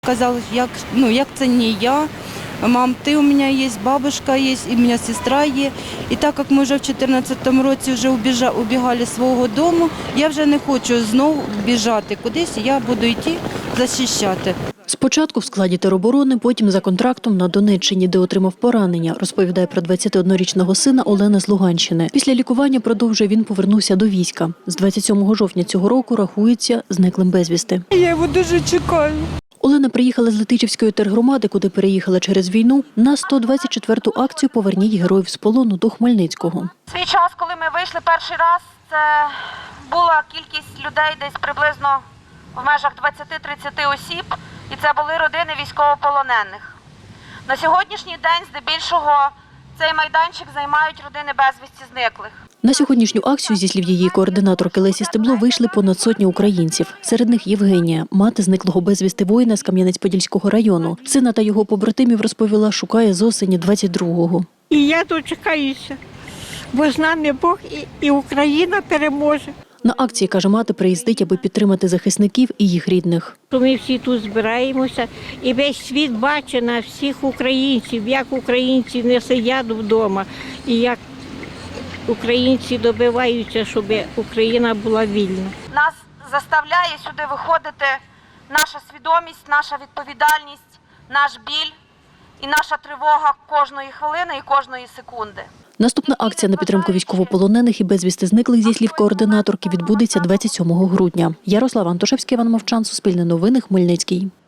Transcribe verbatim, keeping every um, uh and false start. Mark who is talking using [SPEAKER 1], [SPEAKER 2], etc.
[SPEAKER 1] Казали, як, ну, як це не я. Мам, ти у мене є, бабушка є, і у мене сестра є. І так як ми вже в дві тисячі чотирнадцятому році вже убігали з свого дому, я вже не хочу знову біжати кудись, я буду йти захищати.
[SPEAKER 2] Спочатку в складі тероборони, потім за контрактом на Донеччині, де отримав поранення, розповідає про двадцятиоднорічного сина Олена з Луганщини. Після лікування, продовжує, він повернувся до війська. З двадцять сьомого жовтня цього року рахується зниклим безвісти.
[SPEAKER 1] Я його дуже чекаю.
[SPEAKER 2] Олена приїхала з Летичівської тергромади, куди переїхала через війну, на сто двадцять четверту акцію «Поверніть героїв з полону» до Хмельницького.
[SPEAKER 3] Свій час, коли ми вийшли перший раз, це була кількість людей десь приблизно в межах двадцяти-тридцяти осіб, і це були родини військовополонених. На сьогоднішній день здебільшого цей майданчик займають родини безвісті зниклих.
[SPEAKER 2] На сьогоднішню акцію, зі слів її координаторки Лесі Стебло, вийшли понад сотні українців. Серед них Євгенія, мати зниклого безвісти воїна з Кам'янець-Подільського району. Сина та його побратимів, розповіла, шукає з осені двадцять другого.
[SPEAKER 4] І я дочекаюся, бо з нами Бог і, і Україна переможе.
[SPEAKER 2] На акції, каже мати, приїздить, аби підтримати захисників і їх рідних.
[SPEAKER 4] Ми всі тут збираємося, і весь світ бачить на всіх українців, як українці не сидять вдома, і як українці добиваються, щоб Україна була вільна.
[SPEAKER 3] Нас заставляє сюди виходити наша свідомість, наша відповідальність, наш біль і наша тривога кожної хвилини і кожної секунди.
[SPEAKER 2] Наступна акція на підтримку військовополонених і безвісти зниклих, зі слів координаторки, відбудеться двадцять сьомого грудня. Ярослав Антошевський, Іван Мовчан, Суспільне новини, Хмельницький.